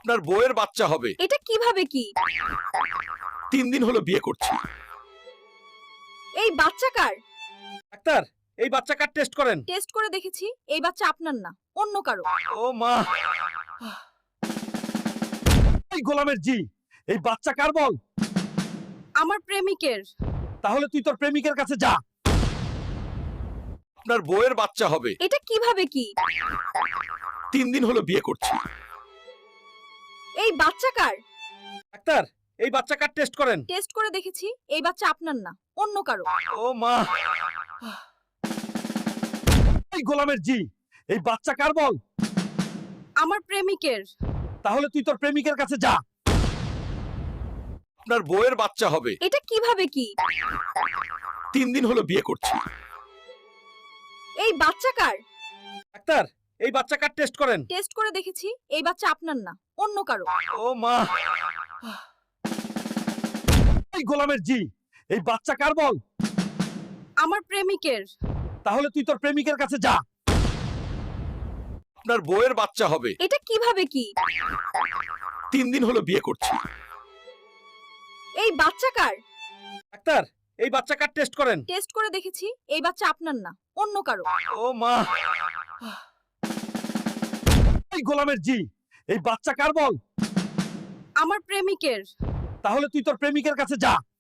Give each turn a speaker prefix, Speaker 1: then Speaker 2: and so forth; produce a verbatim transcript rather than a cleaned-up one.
Speaker 1: আপনার বউয়ের বাচ্চা হবে।
Speaker 2: এটা কিভাবে কি?
Speaker 1: তিন দিন হলো বিয়ে করছি।
Speaker 2: এই বাচ্চা কার?
Speaker 1: ডাক্তার, এই বাচ্চা কার টেস্ট করেন।
Speaker 2: টেস্ট করে দেখেছি এই বাচ্চা আপনার না, অন্য কারো।
Speaker 1: ও মা, এই গোলামের জি, এই বাচ্চা কার বল।
Speaker 2: আমার প্রেমিকের।
Speaker 1: তাহলে তুই তোর প্রেমিকের কাছে যা। আপনার বউয়ের বাচ্চা হবে।
Speaker 2: এটা কিভাবে কি?
Speaker 1: তিন দিন হলো বিয়ে করছি।
Speaker 2: এই বাচ্চা কার?
Speaker 1: ডাক্তার, এই বাচ্চা কার টেস্ট করেন।
Speaker 2: টেস্ট করে দেখেছি এই বাচ্চা আপনার না, অন্য কারো।
Speaker 1: ও মা, এই গোলামের জি, এই বাচ্চা কার বল।
Speaker 2: আমার প্রেমিকের।
Speaker 1: তাহলে তুই তোর প্রেমিকের কাছে যা। আপনার বউয়ের বাচ্চা হবে।
Speaker 2: এটা কিভাবে কি?
Speaker 1: তিন দিন হলো বিয়ে করছি।
Speaker 2: এই বাচ্চা কার?
Speaker 1: ডাক্তার, এই বাচ্চা কার টেস্ট করেন।
Speaker 2: টেস্ট করে দেখেছি এই বাচ্চা আপনার না, অন্য কারো।
Speaker 1: ও মা, এই গোলামের জি, এই বাচ্চা কার বল।
Speaker 2: আমার প্রেমিকের।
Speaker 1: তাহলে তুই তোর প্রেমিকের কাছে যা।
Speaker 2: এটা কিভাবে কি?
Speaker 1: আপনার বউয়ের বাচ্চা হবে। তিন দিন হলো বিয়ে করছি। ডাক্তার, এই বাচ্চা কার টেস্ট করেন। টেস্ট করে দেখেছি এই বাচ্চা আপনার না, অন্য কারো। ও মা, এই গোলামের জি, এই বাচ্চা কার বল। আপনার বউয়ের বাচ্চা হবে।
Speaker 2: এটা কিভাবে কি?
Speaker 1: তিন দিন হলো বিয়ে করছি।
Speaker 2: এই বাচ্চা কার?
Speaker 1: ডাক্তার, এই বাচ্চা কার টেস্ট করেন।
Speaker 2: টেস্ট করে দেখেছি এই বাচ্চা আপনার না, অন্য কারো।
Speaker 1: ও মা, এই গোলামের জি, এই বাচ্চা কার বল।
Speaker 2: আমার প্রেমিকের।
Speaker 1: তাহলে তুই তোর প্রেমিকের কাছে যা।